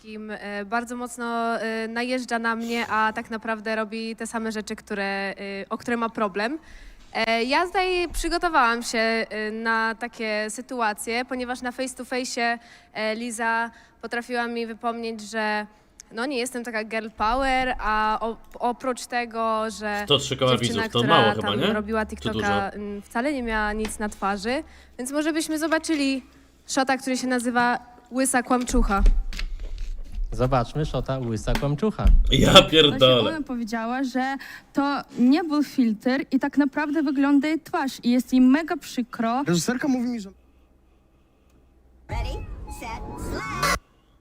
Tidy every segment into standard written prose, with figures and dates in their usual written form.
wszystkim bardzo mocno najeżdża na mnie, a tak naprawdę robi te same rzeczy, o które ma problem. Ja tutaj przygotowałam się na takie sytuacje, ponieważ na face to face Liza potrafiła mi wypomnieć, że no nie jestem taka girl power, a oprócz tego, że 103 koła dziewczyna, widzów, to która mało chyba, tam nie? robiła Czy TikToka, wcale nie miała nic na twarzy, więc może byśmy zobaczyli shota, który się nazywa Łysa Kłamczucha. Zobaczmy szota łysa kłamczucha. Ja Właśnie pierdolę. ona powiedziała, że to nie był filtr i tak naprawdę wygląda jej twarz i jest jej mega przykro. Reżyserka mówi mi, że... Ready, set, slap.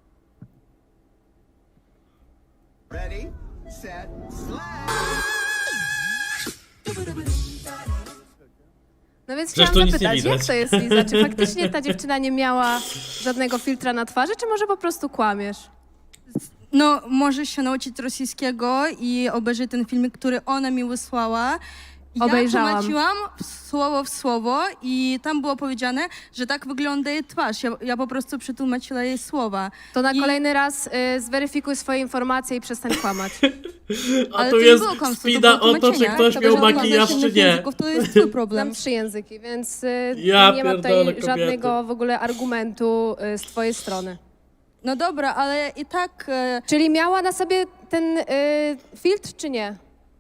Ready, set, slap. No więc Przecież chciałam tu nic nie zapytać, jak widać. to jest, Liza? Czy faktycznie ta dziewczyna nie miała żadnego filtra na twarzy, czy może po prostu kłamiesz? No, możesz się nauczyć rosyjskiego i obejrzeć ten filmik, który ona mi wysłała. Ja Obejrzałam. tłumaczyłam słowo w słowo i tam było powiedziane, że tak wygląda jej twarz. Ja po prostu przetłumaczyła jej słowa. To na I- kolejny raz zweryfikuj swoje informacje i przestań kłamać. A Ale tu to jest nie było kłamstwo, spina było o to, czy tłumaczenie. ktoś To miał było makijaż, czy innych nie. języków, to jest twój Znam problem. 3 języki, więc Ja nie ma pierdolę, tutaj kobiety. żadnego w ogóle argumentu z twojej strony. No dobra, ale i tak Czyli miała na sobie ten filtr, czy nie?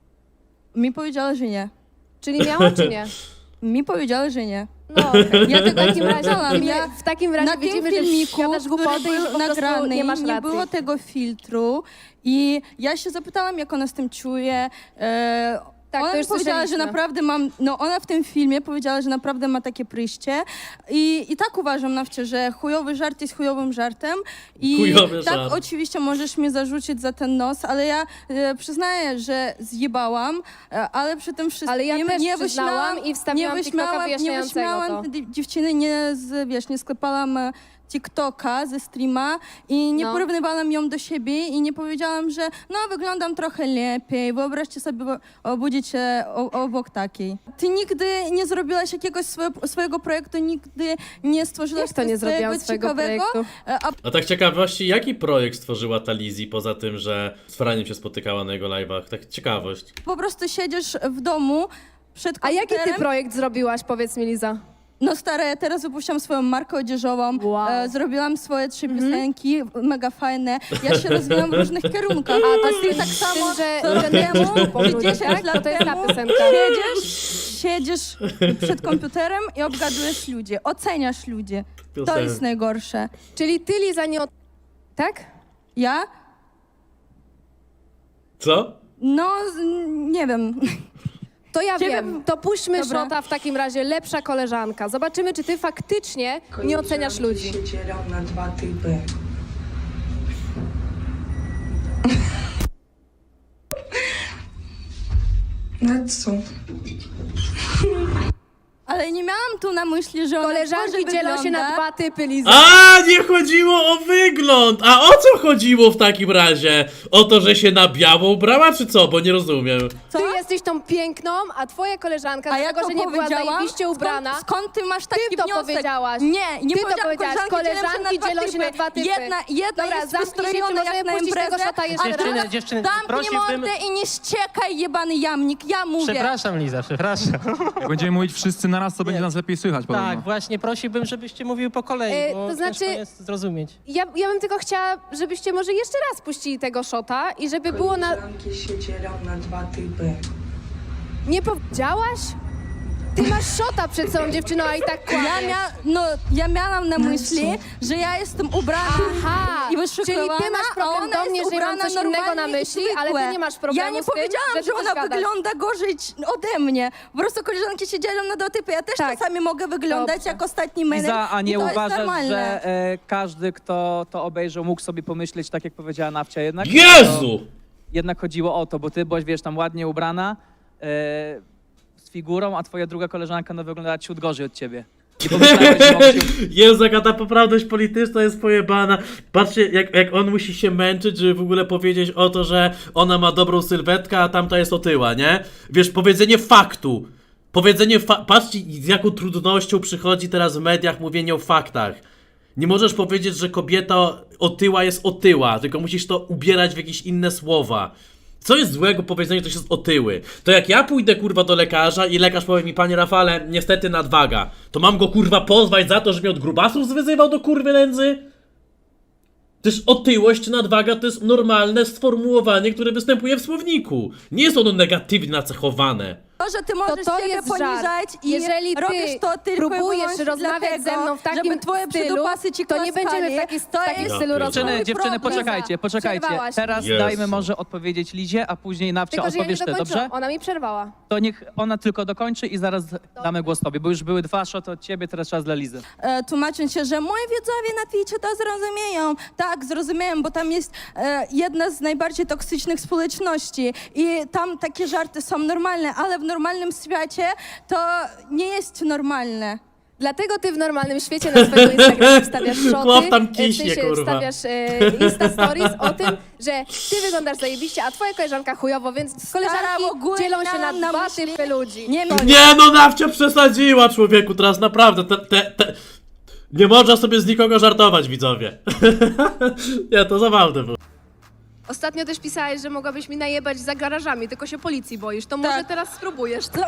mi powiedziała, że nie. Czyli miała, czy nie? Mi powiedziała, że nie. No, okej. Ja tego w takim nie razie, powiedziałam. Ja w takim razie na tym widzimy, że filmiku, gadasz który głupoty i że po był prostu nagrany, nie masz nie racji. było tego filtru i ja się zapytałam, jak ona z tym czuje. Tak, to Ona już powiedziała, że słyszeliśmy. naprawdę mam, no ona w tym filmie powiedziała, że naprawdę ma takie przyjście i tak uważam, Nawcie, że chujowy żart jest chujowym żartem i Chujowy tak żart. oczywiście możesz mnie zarzucić za ten nos, ale ja przyznaję, że zjebałam, ale przy tym wszystkim Ale ja też nie przyznałam wyśmiałam- i wstawiłam nie TikToka wyśmiałam- wyjaśniającego nie wyśmiałam to. dziewczyny, nie sklepałam TikToka ze streama i nie No. porównywałam ją do siebie i nie powiedziałam, że no wyglądam trochę lepiej, wyobraźcie sobie obudzić się obok takiej. Ty nigdy nie zrobiłaś jakiegoś swojego projektu, nigdy nie stworzyłaś Jak to nie zrobiłam swojego ciekawego, projektu? a A tak ciekawości, jaki projekt stworzyła ta Lizzy, poza tym, że z Franiem się spotykała na jego live'ach? Tak ciekawość. po prostu siedzisz w domu przed A jaki komputerem. ty projekt zrobiłaś, powiedz mi, Liza? No stare, ja teraz wypuściłam swoją markę odzieżową, Wow. zrobiłam swoje 3 piosenki, mega fajne. Ja się rozwijam w różnych kierunkach. A A to ty tak samo, że co rok temu, po ludziach, 10 tak? lat To jest ta temu piosenka. siedzisz przed komputerem i obgadujesz ludzi, oceniasz ludzi. To Piosenka. jest najgorsze. Czyli ty, Liza, nie... Tak? Ja? Co? No, nie wiem. To ja Ciebie- wiem. To puśćmy Dobra. szota w takim razie, lepsza koleżanka. Zobaczymy, czy ty faktycznie nie oceniasz ludzi. się dzielą na 2 typy. No co? Ale nie miałam tu na myśli, że ona Koleżanki gorzej dzielą się na wygląda. 2 typy, Liza. A, nie chodziło o wygląd! A o co chodziło w takim razie? O to, że się na biało ubrała, czy co? Bo nie rozumiem. Co? Ty jesteś tą piękną, a twoja koleżanka, A ja dlatego, to że nie była powiedziałam? zajebiście ubrana. Skąd ty masz taki Ty to wniosek? powiedziałaś. Nie Ty to powiedziałam. powiedziałaś. Koleżanki dzielą się na 2 typy. Jedna Dobra, jest zamknij się, czy wystrojona możemy jak na puścić tego imprezę, szota jeszcze a raz? druga Dziewczyny, zamknij prosiłbym... mordę i nie ściekaj, jebany jamnik, ja mówię. Przepraszam, Liza, przepraszam. Jak będziemy mówić wszyscy naraz, to będzie nas lepiej słychać podobno. Tak, właśnie prosiłbym, żebyście mówiły po kolei, bo to znaczy- ciężko jest zrozumieć. Ja bym tylko chciała, żebyście może jeszcze raz puścili tego szota i żeby było na... Koleżanki się dzielą na 2 typy. Nie powiedziałaś? Ty masz szota przed sobą, dziewczyno, a i tak kłamiesz. Ja miałam na myśli, że ja jestem ubrana Aha, i czyli wyszykowana, ty masz a problem ona do mnie, jest że ja mam ubrana coś innego na normalnie i myśli, ale ty zwykłe. nie masz problemu Ja nie z tym, powiedziałam, że ty że coś ona gadasz. wygląda gorzej ode mnie. Po prostu koleżanki się dzielą na 2 typy. Ja też Tak. czasami mogę wyglądać Dobrze. jak ostatni menel Liza, a i nie to jest uważasz, normalne. że każdy, kto to obejrzał, mógł sobie pomyśleć, tak jak powiedziała Nawcia, jednak? Jezu! Jednak chodziło o to, bo ty byłaś, wiesz, tam ładnie ubrana, z figurą, a twoja druga koleżanka no, wyglądała ciut gorzej od ciebie. I pomyślałeś, że mógł się... Jezu, jaka ta poprawność polityczna jest pojebana. Patrzcie, jak on musi się męczyć, żeby w ogóle powiedzieć o to, że ona ma dobrą sylwetkę, a tamta jest otyła, nie? Wiesz, powiedzenie faktu. Patrzcie, z jaką trudnością przychodzi teraz w mediach mówienie o faktach. Nie możesz powiedzieć, że kobieta otyła jest otyła, tylko musisz to ubierać w jakieś inne słowa. Co jest złego powiedzenie, że ktoś jest otyły? To jak ja pójdę kurwa do lekarza i lekarz powie mi, panie Rafale, niestety nadwaga, to mam go kurwa pozwać za to, że mnie od grubasów zwyzywał do kurwy nędzy? Też otyłość czy nadwaga to jest normalne sformułowanie, które występuje w słowniku. Nie jest ono negatywnie nacechowane. To, że ty możesz to siebie jest żart. poniżać i Jeżeli ty robisz to tylko i próbujesz wyłącznie rozmawiać dlatego, ze mną w takim żeby twoje stylu, przydupasy ci to nie będziemy w takim Ja stylu rozmawiać. Dziewczyny, problem. poczekajcie. Przerwałaś. Teraz Jezu. dajmy może odpowiedzieć Lizie, a później Nawcia Tylko, że ja nie odpowiesz ty, dokończyłam. dobrze? Ona mi przerwała. To niech ona tylko dokończy i zaraz damy głos tobie, bo już były 2 szoty od ciebie, teraz czas dla Lizy. Tłumacząc się, że moi widzowie na Twitchu to zrozumieją. Tak, zrozumieją, bo tam jest jedna z najbardziej toksycznych społeczności i tam takie żarty są normalne, ale w normalnym świecie to nie jest normalne. Dlatego ty w normalnym świecie na swojego Instagrama wstawiasz szoty, Chłop tam w kiśnie, sensie kurwa. wstawiasz Insta Stories o tym, że ty wyglądasz zajebiście, a twoja koleżanka chujowo, więc koleżanki ogólnie dzielą się miałam na na dwa myśli- typy ludzi. Nie no, Nawcia przesadziła, człowieku, teraz naprawdę, nie można sobie z nikogo żartować, widzowie. Nie, to zabawne było. Ostatnio też pisałeś, że mogłabyś mi najebać za garażami, tylko się policji boisz. To może Tak. teraz spróbujesz, co?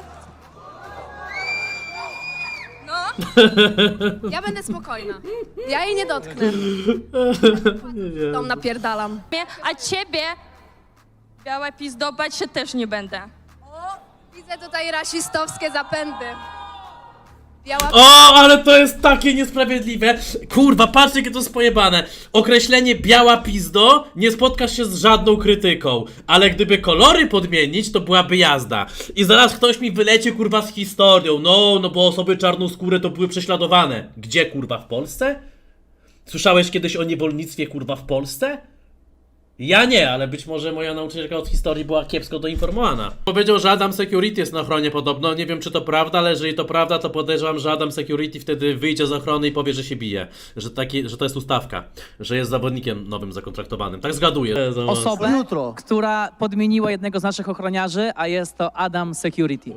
No, Ja będę spokojna. Ja jej nie dotknę. Tą napierdalam. a ciebie, biała pizdo, bać się też nie będę. Widzę tutaj rasistowskie zapędy. Biała O, ale to jest takie niesprawiedliwe. Kurwa, patrzcie, jakie to jest pojebane. Określenie biała pizdo, nie spotkasz się z żadną krytyką. Ale gdyby kolory podmienić, to byłaby jazda. I zaraz ktoś mi wylecie, kurwa, z historią. No bo osoby czarnoskóre to były prześladowane. Gdzie, kurwa, w Polsce? Słyszałeś kiedyś o niewolnictwie, kurwa, w Polsce? Ja nie, ale być może moja nauczycielka od historii była kiepsko doinformowana. Powiedział, że Adam Security jest na ochronie podobno. Nie wiem, czy to prawda, ale jeżeli to prawda, to podejrzewam, że Adam Security wtedy wyjdzie z ochrony i powie, że się bije. Że to jest ustawka. Że jest zawodnikiem nowym zakontraktowanym. Tak zgaduję. Osobę, która podmieniła jednego z naszych ochroniarzy, a jest to Adam Security.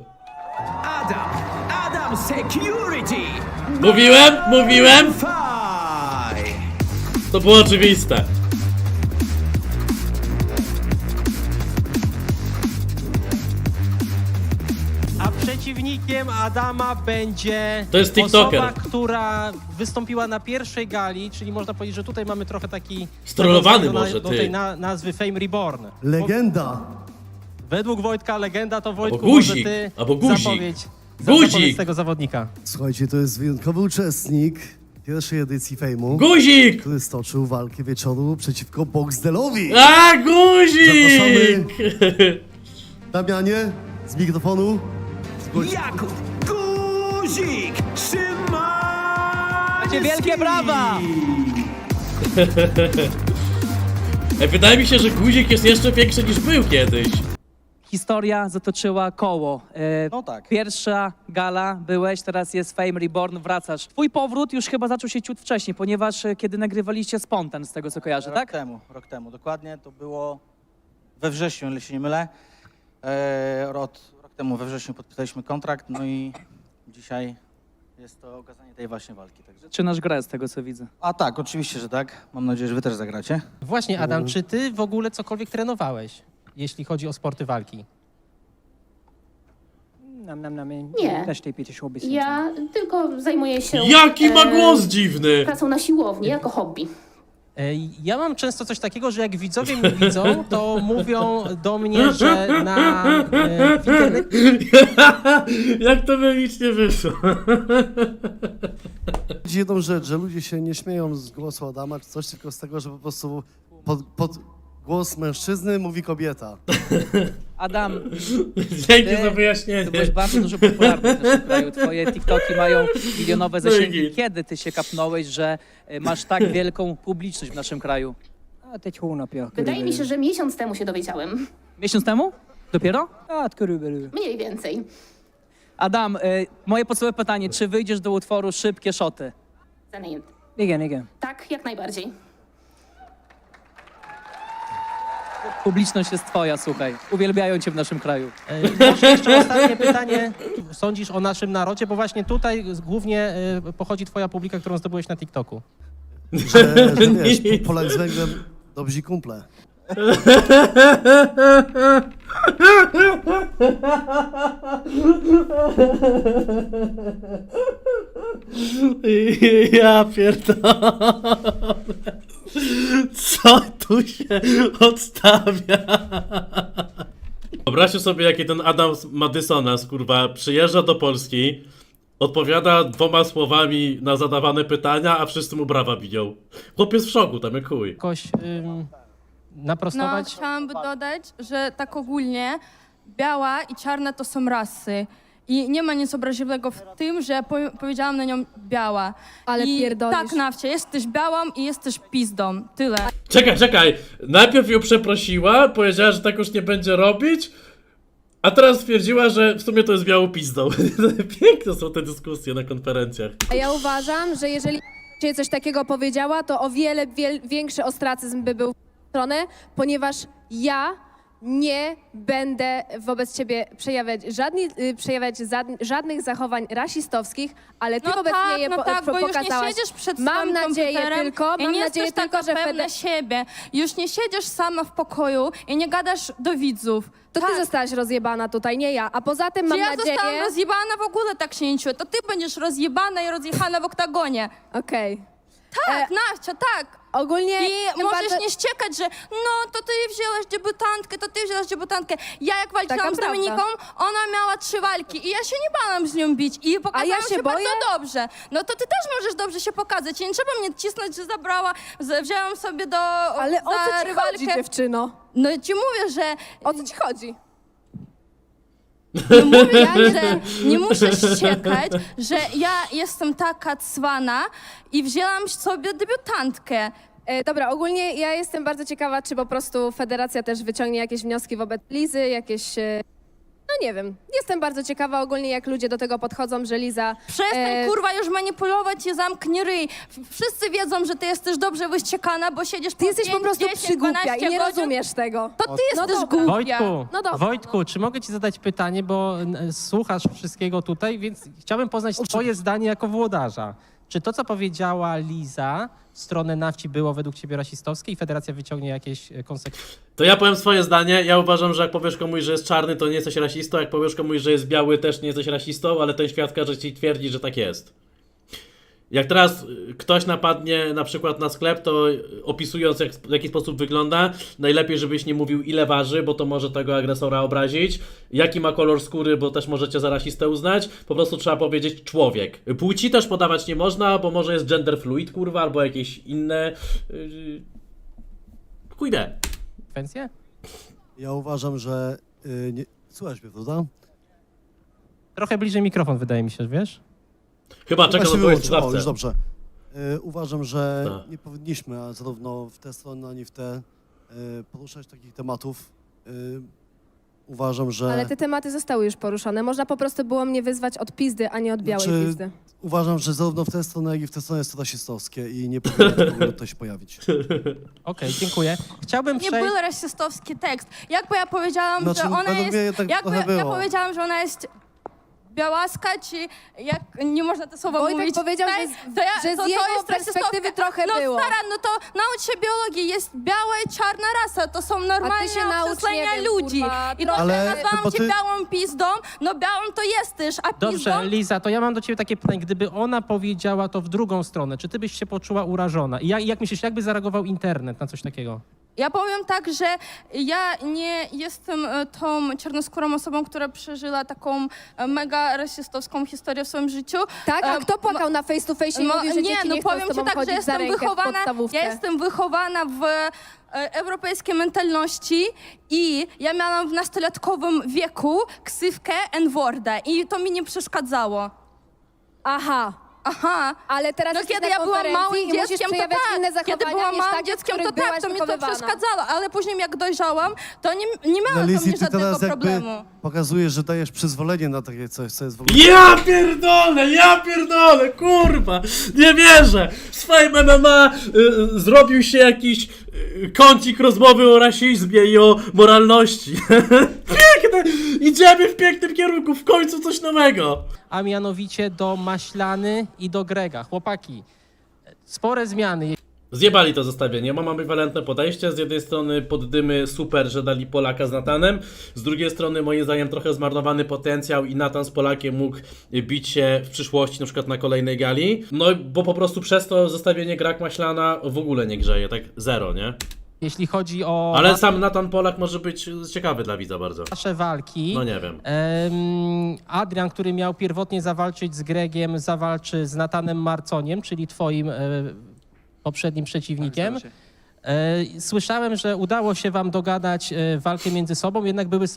Adam Security! Mówiłem! Five! To było oczywiste. A przeciwnikiem Adama będzie To jest TikToker. osoba, która wystąpiła na pierwszej gali, czyli można powiedzieć, że tutaj mamy trochę taki... Strollowany nawiązanie może, do ty. tej nazwy Fame Reborn. Legenda. Według Wojtka legenda to Wojtku, guzik, może ty albo guzik. zapowiedź Guzik. tego zawodnika. Słuchajcie, to jest wyjątkowy uczestnik pierwszej edycji Fejmu, Guzik! który stoczył walkę wieczoru przeciwko Boxdelowi. A, guzik! Damianie, z mikrofonu. Zgłoś- Jakub Guzik Szymański! Macie wielkie brawa! Wydaje mi się, że guzik jest jeszcze większy niż był kiedyś. Historia zatoczyła koło. No tak. Pierwsza gala byłeś, teraz jest Fame Reborn, wracasz. Twój powrót już chyba zaczął się ciut wcześniej, ponieważ kiedy nagrywaliście Spontan, z tego co kojarzę, tak? Rok temu, dokładnie. To było we wrześniu, jeśli się nie mylę. Rok temu we wrześniu podpisaliśmy kontrakt, no i dzisiaj jest to okazanie tej właśnie walki. Także... Zaczynasz grę z tego co widzę. A tak, oczywiście, że tak. Mam nadzieję, że wy też zagracie. Właśnie, Adam, czy ty w ogóle cokolwiek trenowałeś, jeśli chodzi o sporty walki? Nie. Ja tylko zajmuję się Jaki ma głos dziwny! pracą na siłowni jako hobby. Ja mam często coś takiego, że jak widzowie mnie widzą, to mówią do mnie, że w internecie Jak to memicznie wyszło? Chodzi jedną rzecz, że ludzie się nie śmieją z głosu Adama czy coś, tylko z tego, że po prostu pod głos mężczyzny mówi kobieta. Adam, Dzięki Ty- za wyjaśnienie. ty byłeś bardzo dużo popularny w naszym kraju. Twoje TikToki mają milionowe zasięgi. Dzięki. Kiedy ty się kapnąłeś, że masz tak wielką publiczność w naszym kraju? Wydaje mi się, że miesiąc temu się dowiedziałem. Miesiąc temu? Dopiero? Mniej więcej. Adam, moje podstawowe pytanie, czy wyjdziesz do utworu Szybkie Szoty? Zamienię. Tak, jak najbardziej. Publiczność jest twoja, słuchaj. Uwielbiają cię w naszym kraju. Może jeszcze ostatnie pytanie. Sądzisz o naszym narodzie? Bo właśnie tutaj głównie pochodzi twoja publika, którą zdobyłeś na TikToku. że wiesz, Polak z Węgrem dobrzy kumple. Ja pierdolę. Co tu się odstawia? Wyobraźcie sobie, jaki ten Adam Madysonas, kurwa, przyjeżdża do Polski, odpowiada 2 słowami na zadawane pytania, a wszyscy mu brawa biją. Chłopiec w szoku, tam jak chuj. Jakoś No, naprostować? chciałam by dodać, że tak ogólnie biała i czarna to są rasy. I nie ma nic obraźliwego w tym, że powiedziałam na nią biała. Ale I pierdolisz. tak, Nawcia, jesteś białą i jesteś pizdą. Tyle. Czekaj. Najpierw ją przeprosiła, powiedziała, że tak już nie będzie robić, a teraz stwierdziła, że w sumie to jest białą pizdą. Piękne są te dyskusje na konferencjach. A ja uważam, że jeżeli się coś takiego powiedziała, to o wiele większy ostracyzm by był w stronę, ponieważ ja nie będę wobec ciebie przejawiać żadnych zachowań rasistowskich, ale ty wobec mnie je no tak, bo już nie pokazałaś. siedzisz przed Mam swoim nadzieję komputerem tylko, i nie jesteś taka że pewna siebie. Już nie siedzisz sama w pokoju i nie gadasz do widzów. To ty zostałaś rozjebana tutaj, nie ja. A poza tym mam ja nadzieję... zostałam rozjebana, w ogóle tak się nie czuję. To ty będziesz rozjebana i rozjechana w oktagonie. Okej. Tak, Nawcia, tak. Ogólnie... I możesz nie ściekać, że no to ty wzięłaś debiutantkę, Ja jak walczyłam Taka z Dominiką, ona miała 3 walki i ja się nie bałam z nią bić i pokazałam się boję? bardzo dobrze. No to ty też możesz dobrze się pokazać i nie trzeba mnie cisnąć, że wzięłam sobie Ale o co ci rywalkę. chodzi, dziewczyno? No ci mówię, że O co ci chodzi? no mówię, że nie muszę ściekać, że ja jestem taka cwana i wzięłam sobie debiutantkę. Dobra, ogólnie ja jestem bardzo ciekawa, czy po prostu federacja też wyciągnie jakieś wnioski wobec Lizy, jakieś... No nie wiem. Jestem bardzo ciekawa ogólnie, jak ludzie do tego podchodzą, że Liza... Przestań kurwa już manipulować i zamknij ryj. Wszyscy wiedzą, że ty jesteś dobrze wyściekana, bo siedzisz Ty jesteś po prostu 10, przygłupia 12 i nie godzin. rozumiesz tego. To ty No jesteś dobra. głupia. Wojtku, No dobra. Wojtku, czy mogę ci zadać pytanie, bo słuchasz wszystkiego tutaj, więc chciałbym poznać twoje zdanie jako włodarza. Czy to, co powiedziała Liza w stronę Nawci było według ciebie rasistowskie i federacja wyciągnie jakieś konsekwencje? To ja powiem swoje zdanie. Ja uważam, że jak powiesz komuś, że jest czarny, to nie jesteś rasistą. Jak powiesz komuś, że jest biały, też nie jesteś rasistą, ale ten świat każe ci twierdzić, że tak jest. Jak teraz ktoś napadnie na przykład na sklep, to opisując w jaki sposób wygląda, najlepiej żebyś nie mówił ile waży, bo to może tego agresora obrazić, jaki ma kolor skóry, bo też możecie za rasistę uznać, po prostu trzeba powiedzieć człowiek. Płci też podawać nie można, bo może jest gender fluid, kurwa, albo jakieś inne... Kujdę. Konsekwencje? Ja uważam, że... nie... Słuchaj mnie, prawda? Trochę bliżej mikrofon, wydaje mi się, wiesz? Chyba czekam na Właśnie twoje wyłączył. O, już zdawcę. dobrze. Uważam, że Tak. nie powinniśmy, a zarówno w tę stronę, ani w tę, poruszać takich tematów. Uważam, że... Ale te tematy zostały już poruszone. Można po prostu było mnie wyzwać od pizdy, a nie od białej Znaczy, pizdy. Uważam, że zarówno w tę stronę, jak i w tę stronę jest to rasistowskie i nie powinno w ogóle to się pojawić. Okej, dziękuję. Chciałbym Nie przejść... był rasistowski tekst. Jakby ja powiedziałam, Znaczy, że ona według jest... mnie tak jakby trochę ja było. powiedziałam, że ona jest białaska, czy jak nie można te słowa Wojtek mówić. powiedział, tak? że z jego jest perspektywy rasistowska. trochę no, było. Stara, no to naucz się biologii, jest biała i czarna rasa, to są normalne się naucz, określenia nie wiem, ludzi. kurwa, I to, Ale że nazwałam bo cię ty- białą pizdą, no białą to jesteś, a pizdą... Dobrze, Liza, to ja mam do ciebie takie pytanie. Gdyby ona powiedziała to w drugą stronę, czy ty byś się poczuła urażona? I jak myślisz, jakby zareagował internet na coś takiego? Ja powiem tak, że ja nie jestem tą czarnoskórą osobą, która przeżyła taką mega rasistowską historię w swoim życiu. Tak? A kto płakał na face to face i mówił, że dzieci nie chcą powiem z tobą ci tak, że chodzić za jestem rękę w wychowana, podstawówkę? ja jestem wychowana w europejskiej mentalności i ja miałam w nastolatkowym wieku ksywkę N-worda i to mi nie przeszkadzało. Aha. Aha. Ale teraz No jesteś kiedy na ja byłam konferencji małym i musisz dzieckiem, to przejawiać tak. inne zachowania Kiedy byłam niż małym takie, w dzieckiem, których to tak, byłaś to mi to wychowywana. przeszkadzało, ale później jak dojrzałam, to nie No, miałam do Lizzy, mnie ty żadnego teraz jakby problemu. pokazujesz, że dajesz przyzwolenie na takie coś, co jest w ogóle... Ja pierdolę, kurwa, nie wierzę. W swoim MMA zrobił się jakiś kącik rozmowy o rasizmie i o moralności. Piękne, idziemy w pięknym kierunku, w końcu coś nowego. A mianowicie do Maślany i do Grega. Chłopaki, spore zmiany. Zjebali to zestawienie, mam ambiwalentne podejście, z jednej strony poddymy super, że dali Polaka z Natanem, z drugiej strony moim zdaniem trochę zmarnowany potencjał i Natan z Polakiem mógł bić się w przyszłości, na przykład na kolejnej gali, no bo po prostu przez to zestawienie Grak Maślana w ogóle nie grzeje, tak zero, nie? Jeśli chodzi o Ale sam Natan Polak może być ciekawy dla widza bardzo. nasze walki, No nie wiem. Adrian, który miał pierwotnie zawalczyć z Gregiem, zawalczy z Natanem Marconiem, czyli twoim poprzednim przeciwnikiem. Słyszałem, że udało się wam dogadać walkę między sobą, jednak były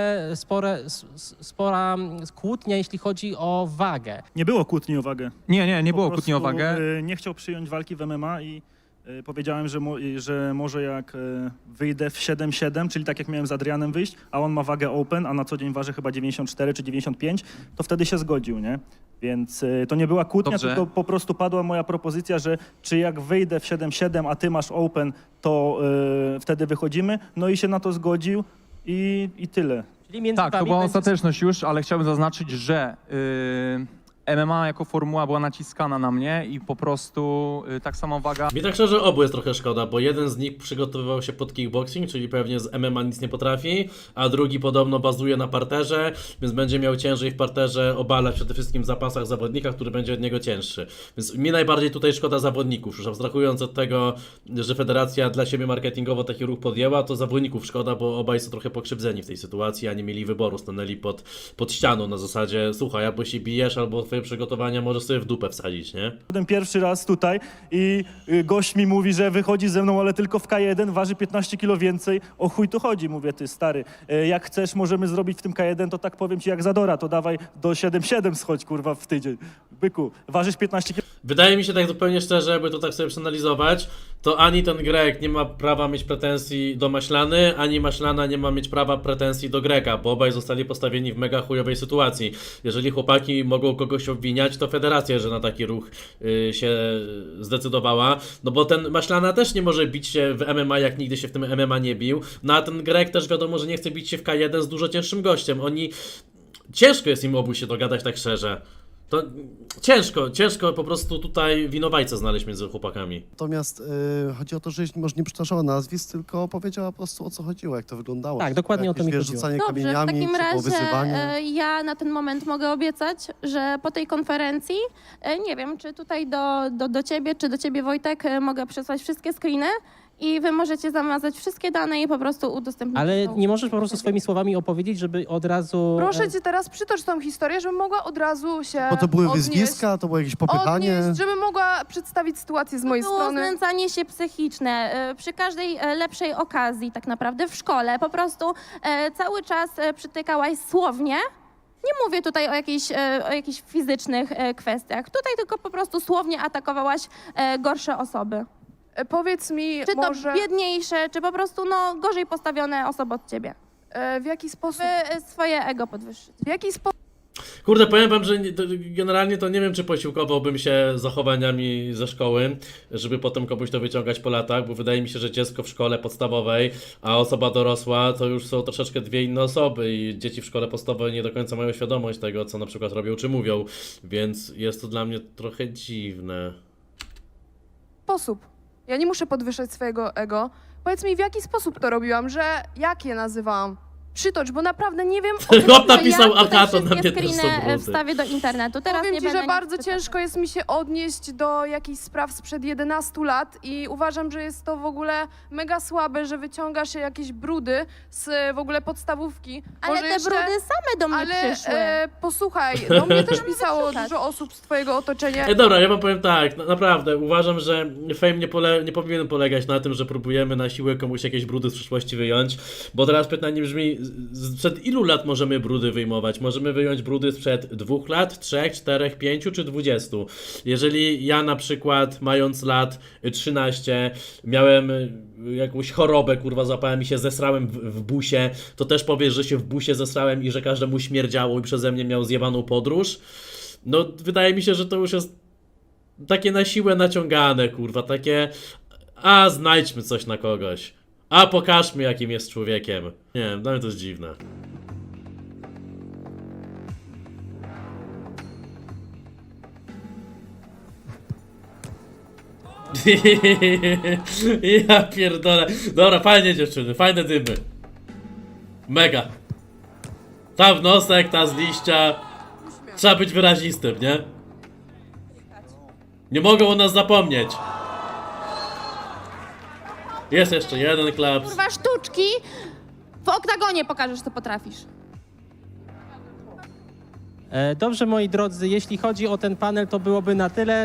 spora kłótnia, jeśli chodzi o wagę. Nie było kłótni o wagę. Nie było Po kłótni o prostu, wagę. Nie chciał przyjąć walki w MMA i powiedziałem, że może jak wyjdę w 7-7, czyli tak jak miałem z Adrianem wyjść, a on ma wagę open, a na co dzień waży chyba 94 czy 95, to wtedy się zgodził, nie? Więc to nie była kłótnia, Dobrze. tylko po prostu padła moja propozycja, że czy jak wyjdę w 7-7, a ty masz open, to wtedy wychodzimy. No i się na to zgodził i tyle. Czyli między Tak, to wami była będzie- ostateczność już, ale chciałbym zaznaczyć, że MMA jako formuła była naciskana na mnie i po prostu tak samo waga. Mi tak szczerze obu jest trochę szkoda, bo jeden z nich przygotowywał się pod kickboxing, czyli pewnie z MMA nic nie potrafi, a drugi podobno bazuje na parterze, więc będzie miał ciężej w parterze obalać przede wszystkim w zapasach zawodnika, który będzie od niego cięższy. Więc mi najbardziej tutaj szkoda zawodników, już abstrahując od tego, że federacja dla siebie marketingowo taki ruch podjęła, to zawodników szkoda, bo obaj są trochę pokrzywdzeni w tej sytuacji, a nie mieli wyboru, stanęli pod ścianą na zasadzie, słuchaj, albo się bijesz, albo twoje przygotowania możesz sobie w dupę wsadzić, nie? Byłem pierwszy raz tutaj i gość mi mówi, że wychodzi ze mną, ale tylko w K1, waży 15 kilo więcej. O chuj tu chodzi, mówię, ty stary. Jak chcesz, możemy zrobić w tym K1, to tak powiem ci jak Zadora, to dawaj do 7-7 schodź, kurwa, w tydzień. Byku, ważysz 15 kilo. Wydaje mi się tak zupełnie szczerze, jakby to tak sobie przeanalizować, to ani ten Grek nie ma prawa mieć pretensji do Maślany, ani Maślana nie ma mieć prawa pretensji do Greka, bo obaj zostali postawieni w mega chujowej sytuacji. Jeżeli chłopaki mogą kogoś obwiniać, to federacja, że na taki ruch się zdecydowała, no bo ten Maślana też nie może bić się w MMA, jak nigdy się w tym MMA nie bił, no a ten Grek też wiadomo, że nie chce bić się w K1 z dużo cięższym gościem. Ciężko jest im obu się dogadać tak szczerze. To ciężko po prostu tutaj winowajcę znaleźć między chłopakami. Natomiast chodzi o to, że może nie przytaczała nazwisk, tylko powiedziała po prostu o co chodziło, jak to wyglądało. Tak, dokładnie o to mi chodziło. Rzucanie Dobrze, w kamieniami, takim czy było razie wyzywanie. ja na ten moment mogę obiecać, że po tej konferencji, nie wiem, czy tutaj do ciebie, czy do ciebie Wojtek, mogę przesłać wszystkie screeny i wy możecie zamazać wszystkie dane i po prostu udostępnić. Ale tą- nie możesz po prostu swoimi słowami opowiedzieć, żeby od razu... Proszę cię teraz przytocz tą historię, żebym mogła od razu się Bo to były odnieść, wyzwiska, to było jakieś popychanie. żebym mogła przedstawić sytuację z mojej Było strony. znęcanie się psychiczne przy każdej lepszej okazji tak naprawdę w szkole. Po prostu cały czas przytykałaś słownie. Nie mówię tutaj o jakichś fizycznych kwestiach. Tutaj tylko po prostu słownie atakowałaś gorsze osoby. Powiedz mi Czy to może, biedniejsze, czy po prostu gorzej postawione osoby od ciebie. w jaki sposób, Swoje ego podwyższyć. w jaki sposób Kurde, powiem wam, że generalnie to nie wiem, czy posiłkowałbym się zachowaniami ze szkoły, żeby potem komuś to wyciągać po latach, bo wydaje mi się, że dziecko w szkole podstawowej, a osoba dorosła to już są troszeczkę dwie inne osoby i dzieci w szkole podstawowej nie do końca mają świadomość tego, co na przykład robią czy mówią, więc jest to dla mnie trochę dziwne. Ja nie muszę podwyższać swojego ego. Powiedz mi, w jaki sposób to robiłam, jak je nazywałam? Przytocz, bo naprawdę nie wiem, o co Chłop chodzi. napisał, ja a tutaj to na mnie wszystkie też są screeny brudy. wstawię do internetu. Teraz Powiem nie ci, będę że nic bardzo przytaczać. ciężko jest mi się odnieść do jakichś spraw sprzed 11 lat i uważam, że jest to w ogóle mega słabe, że wyciągasz jakieś brudy z w ogóle podstawówki. Ale Może te jeszcze- brudy same do mnie Ale przyszły. posłuchaj, do mnie też pisało wyprzedzać. dużo osób z twojego otoczenia. Dobra, ja wam powiem tak, naprawdę, uważam, że fame nie powinien polegać na tym, że próbujemy na siłę komuś jakieś brudy z przyszłości wyjąć, bo teraz pytanie brzmi, sprzed ilu lat możemy brudy wyjmować? Możemy wyjąć brudy sprzed 2 lat, 3, 4, 5 czy 20? Jeżeli ja na przykład, mając lat 13, miałem jakąś chorobę, kurwa, złapałem i się zesrałem w busie, to też powiesz, że się w busie zesrałem i że każdemu śmierdziało i przeze mnie miał zjebaną podróż? No, wydaje mi się, że to już jest takie na siłę naciągane, kurwa, takie a znajdźmy coś na kogoś, a pokażmy jakim jest człowiekiem. Nie wiem, dla mnie to jest dziwne. Ja pierdolę. Dobra, fajnie dziewczyny, fajne dymy. Mega. Ta wnosek, ta z liścia. Trzeba być wyrazistym, nie? Nie mogą o nas zapomnieć. Jest jeszcze jeden klaps. Kurwa, sztuczki! W oktagonie pokażesz, co potrafisz. Dobrze, moi drodzy, jeśli chodzi o ten panel, to byłoby na tyle.